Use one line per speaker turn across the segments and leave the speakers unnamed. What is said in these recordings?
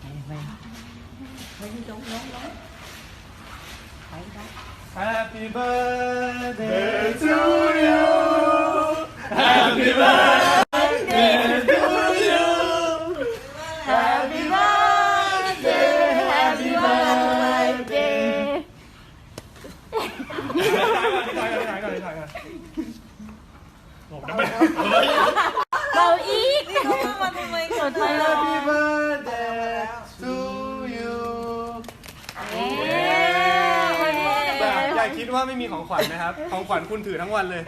ไปที่ตรงน้องไปครับ
Happy birthday to you Happy birthday to you Happy birthday Happy birthday ถ่ายก่อนผมจะไม่
เบาอีก
นี่เขามาทำไมกันนะ
Happy birthday to you อย่าคิดว่าไม่มีของขวัญนะครับ ของขวัญคุณถือทั้งวันเลย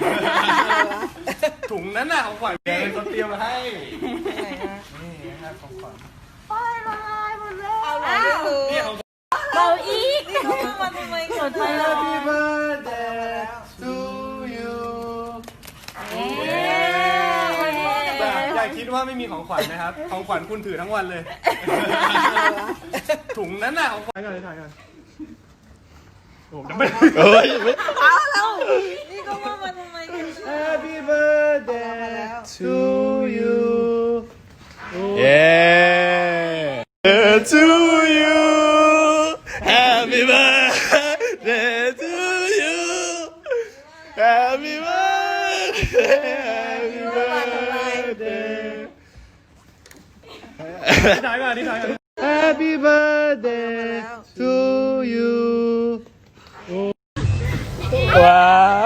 ถุงนั้นน่ะของขวัญเป็นคนเตรียมมาให้ นี่นะครับของขวัญ
เอาหน่อยดู
นี่ของ
เบาอีก
นี่เขามาทำไมกันนะ
Happy birthday to you อย่าคิดว่าไม่มีของขวัญนะครับ ของขวัญคุณถือทั้งวันเลย ถุงนั้นน่ะของขวัญถ่ายก่อนผมจะไม่
เอาแล้วนี่เขามาทำไมกันนะ
Happy birthday to you
Yeah to you Happy birthday to you Happy birthday Happy birthday
ถ่ายก่อน Happy birthday to you
ว้าว